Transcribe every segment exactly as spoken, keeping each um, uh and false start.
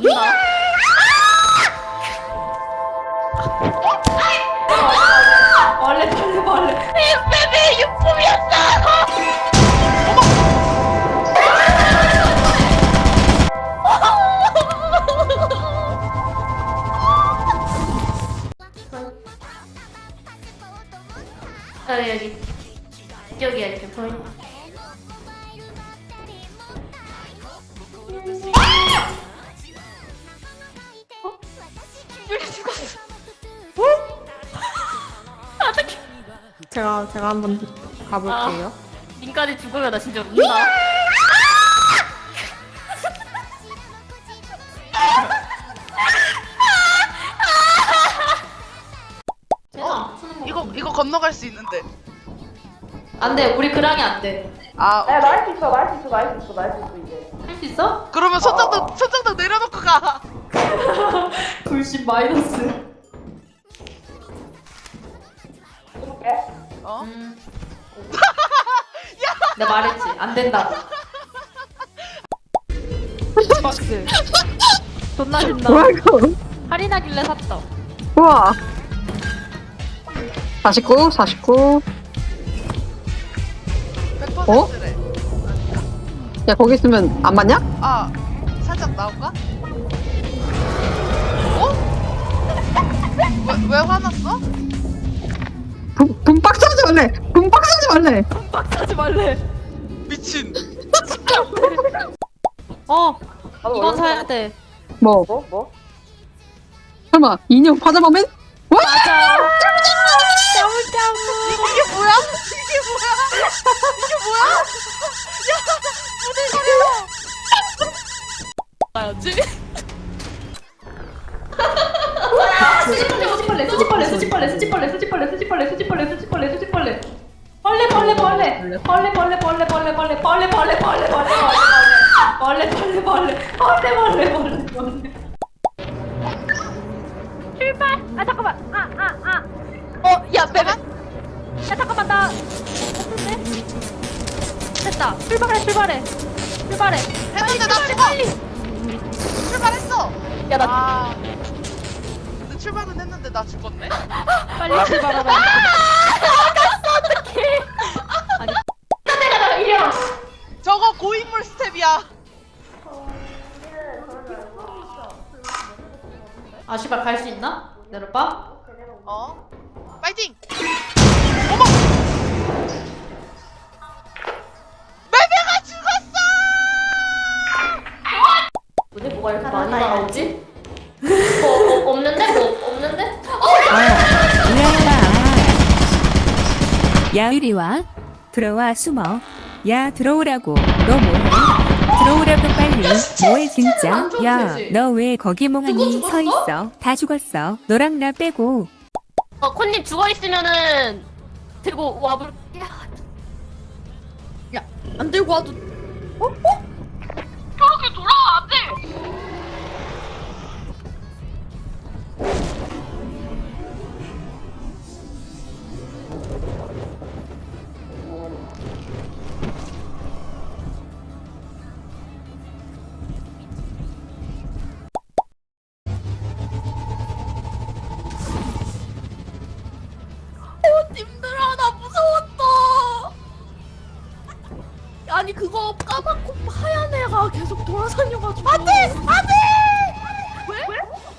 운다. 벌레 벌레 벌레. 베베 유품이었어. 어 여기 여기야 이렇게 보인. 제가 제가 한번 가볼게요. 님까지 죽으면 나 진짜 운다. 어, 이거 이거 건너갈 수 있는데. 안돼 우리 그랑이 안돼. 아, 야, 날 수 있어, 날 수 있어, 날 수 있어, 날 수 있어, 이제. 할 수 있어? 그러면 손장도 손장도 내려놓고 가. 불신 마이너스. 해볼게. 어? 음. 내가 말했지 안 된다고. 박스. 존나 신나. 뭐야 이거? 할인하길래 샀다. 우와. 사십구, 사십구. 백 퍼센트래. 야 거기 있으면 안 맞냐? 아, 살짝 나올까? 어? 왜, 왜 화났어? 분, 분박 사지 말래. 분박 사지 말래. 빡하지 말래. 미친. 어 나도 이건 얼른 사야 돼. 뭐? 뭐? 뭐? 설마 인형 파자마맨? 와! 맞아. 짜무짜무. 이게 뭐야? 이게 뭐야? 이게 뭐야? 야, 무대 가려워. 수지벌레 수지벌레 수지벌레 수지벌레 수지벌레 수지벌레 수지벌레 수지벌레 수지벌레 벌레 벌레 벌레 벌레 벌레 벌레 벌레 벌레 벌레 벌레 벌레 벌레 벌레 벌레 벌레 벌레 벌레 벌레 벌레. 출발. 아 잠깐만. 아 아 아. 어, 야 베베. 야 잠깐만 나 없는데. 됐다. 출발해 출발해 출발해. 했는데 나 죽어. 출발했어. 야 나 아. 근데 출발은 했는데 나 죽었네. 빨리 출발하라. 나갔어 어떡해. 아니 내가 나 이리 와. 저거 고인물 스텝이야. 아 씨발 갈 수 있나? 내려봐. 어? 파이팅! 어머! 매매가 죽었어! 근데 뭐가 이렇게 많이 나오지? 뭐, 뭐 없는데? 뭐 없는데? 야 이리 와. 들어와 숨어. 야 들어오라고. 너 뭐해? 들어오라고 빨리. 뭐해 진짜? 안 좋은 야 죄지. 너 왜 거기 멍하니 누구 서 죽었어? 있어? 다 죽었어. 너랑 나 빼고. 어 콘님 죽어 있으면은 들고 와볼. 안 들고 와도 저렇게 돌아와 안 돼. 님들아, 나 무서웠어! 아니, 그거 까맣고 하얀 애가 계속 돌아다녀가지고. 안 돼! 안 돼! 왜? 왜?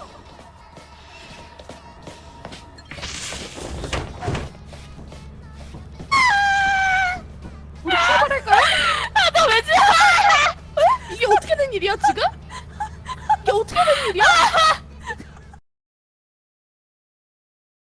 우리 출발할까요? 아, 나 왜 지금? 이게 어떻게 된 일이야, 지금? 이게 어떻게 된 일이야?